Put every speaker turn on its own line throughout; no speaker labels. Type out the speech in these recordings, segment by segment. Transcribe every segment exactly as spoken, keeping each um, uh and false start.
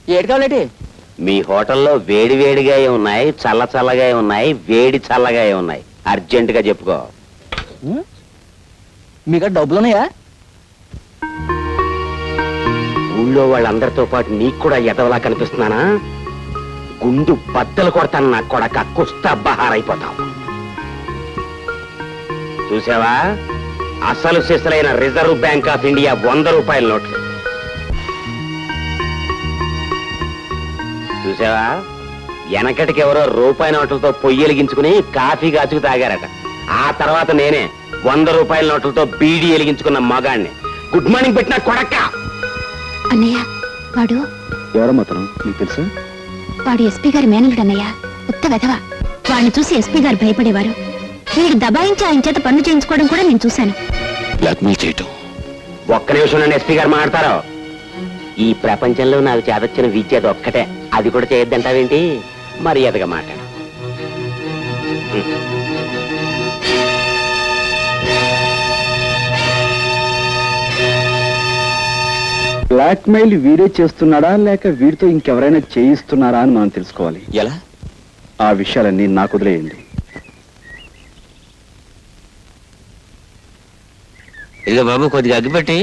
ఏడు కావాలంటే
మీ హోటల్లో వేడి వేడిగా ఉన్నాయి, చల్ల చల్లగా ఉన్నాయి, వేడి చల్లగా ఉన్నాయి. అర్జెంట్ గా చెప్పుకో.
మీకు డబ్బులు ఉన్నాయా?
ఊళ్ళో వాళ్ళందరితో పాటు నీకు కూడా ఎదవలా కనిపిస్తున్నానా? గుండు బద్దలు కొడతాను నా కొడక, కుస్తా బహారైపోతావు. చూసావా, అసలు సిసలైన రిజర్వ్ బ్యాంక్ ఆఫ్ ఇండియా వంద రూపాయల నోట్లు చూసావా? వెనకటికి ఎవరో రూపాయి నోట్లతో పొయ్యి వెలిగించుకుని కాఫీ కాచుకు తాగారట. ఆ తర్వాత నేనే వంద రూపాయల నోట్లతో బీడీ వెలిగించుకున్న మగాణ్ణి. గుడ్ మార్నింగ్ పెట్టిన కొడక.
అన్నయ్య, వాడు
ఎవరమ్మతను నీకు తెలుసా?
వాడు ఎస్పీ గారి మేనలుడు అన్నయ్య. ఉత్త వెధవ. వాడిని చూసి ఎస్పీ గారు భయపడేవారు. వీడు దబాయించి ఆయన చేత పనులు చేయించుకోవడం కూడా నేను చూశాను.
బ్లాక్మెయిల్ చేయటం.
ఒక్క నిమిషం నన్ను ఎస్పీ గారు మాట్లాడతారు. ఈ ప్రపంచంలో నాకు చేదొచ్చిన విద్య అది ఒక్కటే. అది కూడా చేయొద్దంటావేంటి? మర్యాదగా మాట్లాడు.
బ్లాక్మెయిల్ వీడే చేస్తున్నాడా లేక వీడితో ఇంకెవరైనా చేయిస్తున్నారా అని మనం తెలుసుకోవాలి.
ఎలా?
ఆ విషయాలన్నీ నాకు వదిలేయండి.
ఇదిగో బాబు, కొద్దిగా అగ్గిపెట్టి.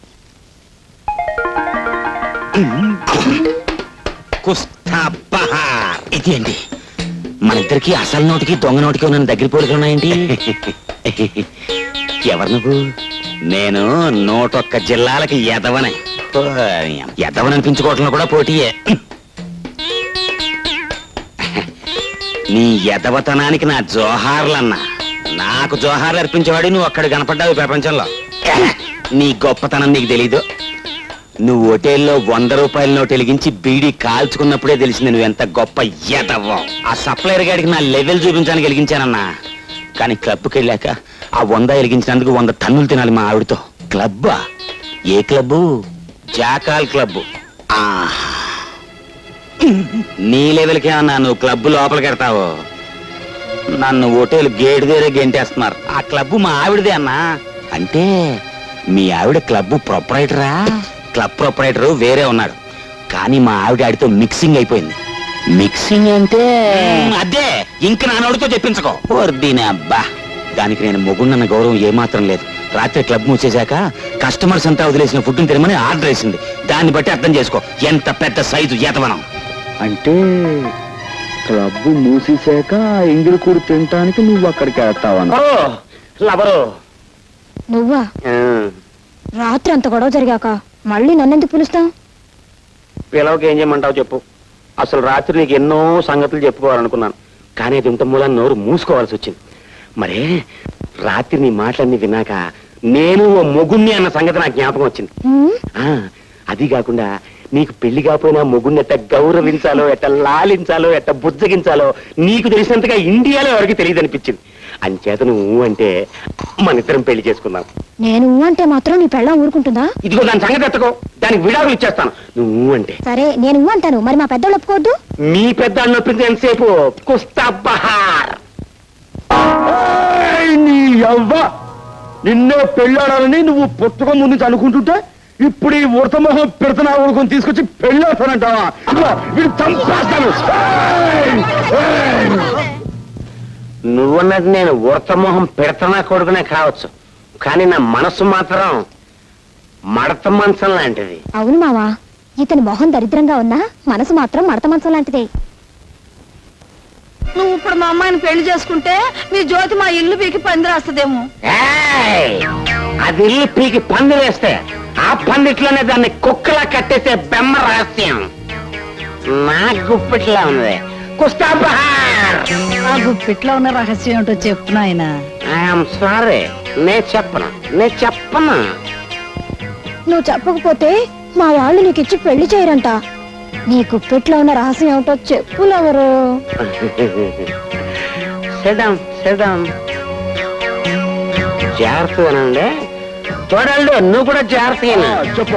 ఇది అండి, మన ఇద్దరికి అసలు నోటికి దొంగ నోటికి ఉన్న దగ్గర పోలికలు ఉన్నాయండి. ఎవరు నువ్వు? నేను నూటొక్క జిల్లాలకి ఎదవనే. ఎదవననిపించుకోవటంలో కూడా పోటీయే. నీ ఎదవతనానికి నా జోహార్లన్నా. నాకు జోహార్లు అర్పించేవాడు నువ్వు అక్కడ కనపడ్డావు ప్రపంచంలో. నీ గొప్పతనం నీకు తెలీదు. నువ్వు హోటల్లో వంద రూపాయల నోటు వెలిగించి బీడీ కాల్చుకున్నప్పుడే తెలిసింది నువ్వు ఎంత గొప్ప ఎదవ్వో. ఆ సప్లైర్ గాడికి నా లెవెల్ చూపించడానికి వెలిగించానన్నా. కానీ క్లబ్కి వెళ్ళాక ఆ వంద వెలిగించినందుకు వంద టన్నులు తినాలి మా ఆవిడతో. క్లబ్బా? ఏ క్లబ్బు? Jackal club. నీ లెవెల్కే అన్నా నువ్వు క్లబ్బు లోపలికి వెళ్తావు. నన్ను హోటల్ గేట్ దగ్గరే గెంటేస్తున్నారు. ఆ క్లబ్బు మా ఆవిడదే అన్నా. అంటే మీ ఆవిడ క్లబ్బు ప్రొపరైటరా? క్లబ్ ప్రొపరైటర్ వేరే ఉన్నాడు, కానీ మా ఆవిడ ఆడితో మిక్సింగ్ అయిపోయింది. మిక్సింగ్ అంటే అదే, ఇంక నా నోటితో చెప్పించుకో. దీని అబ్బా, దానికి నేను మొగుండన్న గౌరవం ఏమాత్రం లేదు. రాత్రి క్లబ్ మూసేశాక కస్టమర్స్ అంతా వదిలేసిన ఫుడ్ని తినమని ఆర్డర్ వేసింది. దాన్ని బట్టి అర్థం చేసుకో ఎంత పెద్ద సైజు ఎతవనం.
అంటే క్లబ్ మూసేశాక ఎంగిలి కూడు తినటానికి నువ్వు అక్కడికి వెళ్తావా?
నువ్వా? రాత్రి అంత గొడవ జరిగాక మళ్ళీ నన్నెందుకు పిలుస్తావు?
పిలవకి ఏం చేయమంటావు చెప్పు. అసలు రాత్రి నీకు ఎన్నో సంగతులు చెప్పుకోవాలనుకున్నాను, కానీ అది ఇంత మూలాన్ని నోరు మూసుకోవాల్సి వచ్చింది. మరే రాత్రి నీ మాటలన్నీ విన్నాక నేను ఓ మొగుణ్ణి అన్న సంగతి నాకు జ్ఞాపకం వచ్చింది. ఆ అది కాకుండా నీకు పెళ్లి కాకపోయినా మొగుణ్ణి ఎట్ట గౌరవించాలో, ఎట్ట లాలించాలో, ఎట్ట బుజ్జగించాలో నీకు తెలిసినంతగా ఇండియాలో ఎవరికి తెలియదు అనిపించింది. అంచేత నువ్వు అంటే మన ఇద్దరం పెళ్లి చేసుకుందాం.
నేను అంటే మాత్రం నీ పెళ్ళం ఊరుకుంటుందా?
ఇదిగో దాని సంగతి ఎత్తుకో, దానికి విడాకులు ఇచ్చేస్తాను నువ్వు అంటే.
సరే, నేను అంటాను. మరి మా పెద్దోళ్ళు ఒప్పుకోవద్దు?
మీ పెద్దాళ్ళు నొప్పింది ఎంతసేపు? కుస్తా బహార్.
నీ యవ్వ, నిన్నే పెళ్ళాడాలని నువ్వు పుస్తకం ముందు అనుకుంటుంటే ఇప్పుడు ఈ ఉడతమోహం పెడతనా ఊరుకొని తీసుకొచ్చి పెళ్ళాడతానంటావా? వీడు చంపేస్తాను.
నువ్వన్నది నేను ఉడతమోహం పెడతనా కొడుకునే కావచ్చు, కానీ నా మనసు మాత్రం మడత మంచం లాంటిది.
అవును మావా, ఇతని మొహం దరిద్రంగా ఉన్నా మనసు మాత్రం మడత మంచం లాంటిదే.
నువ్వు ఇప్పుడు మా అమ్మాయిని పెళ్లి చేసుకుంటే మీ జ్యోతి మా ఇల్లు పీకి పందిరేస్తుందేమో.
అది ఇల్లు పీకి పందిరేస్తే ఆ పందిట్లోనే దాన్ని కుక్కలా కట్టేసే బెమ్మ రహస్యం నా గుప్పిట్లా ఉంది. కుస్తా బహార్.
ఆ గుప్పిట్లో ఉన్న రహస్యం ఏంటో చెప్పు నాయనా.
ఐఎమ్ సారీ, నే చెప్పను నే చెప్పను
నువ్వు చెప్పకపోతే మా వాళ్ళు నీకు ఇచ్చి పెళ్లి చేయరంట. నీ గుప్పిట్లో ఉన్న రహస్యం ఏమిటో చెప్పులెవరు?
సిద్ధం సిద్ధం జాగ్రత్తగానండి. చూడండి, నువ్వు కూడా జాగ్రత్తగా
చెప్పు.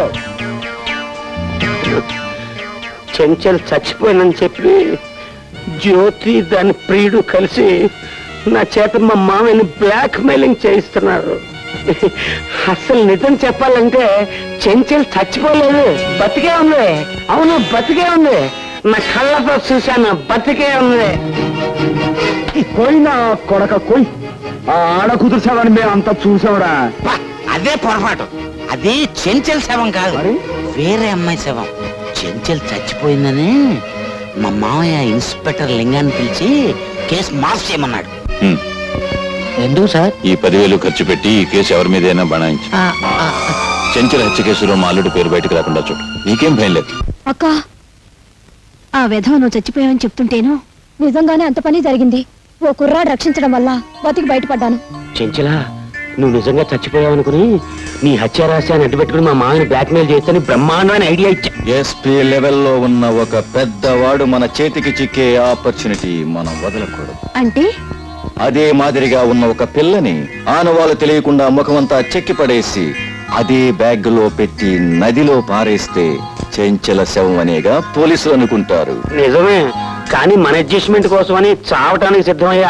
చెంచల్ చచ్చిపోయినని చెప్పి జ్యోతి దాని ప్రియుడు కలిసి నా చేత మా మామయ్యని బ్లాక్ మెయిలింగ్ చేయిస్తున్నారు.
అసలు నిజం చెప్పాలంటే చెంచల్ చచ్చిపోలేదు, బతికే ఉంది. అవును, బతికే ఉంది. నా కళ్ళతో చూశాను, బతికే ఉంది. పోయినా కొడక కొయ్, ఆ ఆడ కుదుర్చావని మేము అంతా చూసావురా.
పా, అదే పొరపాటు. అది చెంచల్ శవం కాదు,
మరి?
వేరే అమ్మాయి శవం. చెంచల్ చచ్చిపోయిందని మా మామయ్య ఇన్స్పెక్టర్ లింగాన్ని పిలిచి కేసు మార్పు చేయమన్నాడు.
ఎందుకు సార్?
ఈ పదివేలు ఖర్చు పెట్టి ఈ కేసు ఎవరి మీదైనా బనాయించు. చెంచల హత్య కేసులో మా అల్లుడు పేరు బయటకు రాకుండా చూడు. నీకేం భయం లేదు.
అక్క ఆ విధవ నువ్వు చచ్చిపోయావని చెప్తుంటేను నిజంగానే అంత పని జరిగింది. ఓ కుర్రాడు రక్షించడం వల్ల బతికి బయటపడ్డాను.
చెంచలా, నువ్వు నిజంగా చచ్చిపోయావనుకుని నీ హత్య రహస్యాన్ని అడ్డుపెట్టుకుని మా మామని బ్లాక్మెయిల్ చేస్తే బ్రహ్మాండమైన ఐడియా ఇచ్చా.
ఎస్పీ లెవెల్లో ఉన్న ఒక పెద్దవాడు మన చేతికి చిక్కే ఆపర్చునిటీ మనం వదలకూడదు.
అంటే
అదే మాదిరిగా ఉన్న ఒక పిల్లని ఆనవాళ్ళు తెలియకుండా ముఖమంతా చెక్కి పడేసి అదే బ్యాగ్ లో పెట్టి నదిలో పారేస్తే చెంచల శవం అనేగా పోలీసులు అనుకుంటారు.
నిజమే, కానీ మన అడ్జస్ట్మెంట్ కోసమని చావటానికి సిద్ధమయ్యే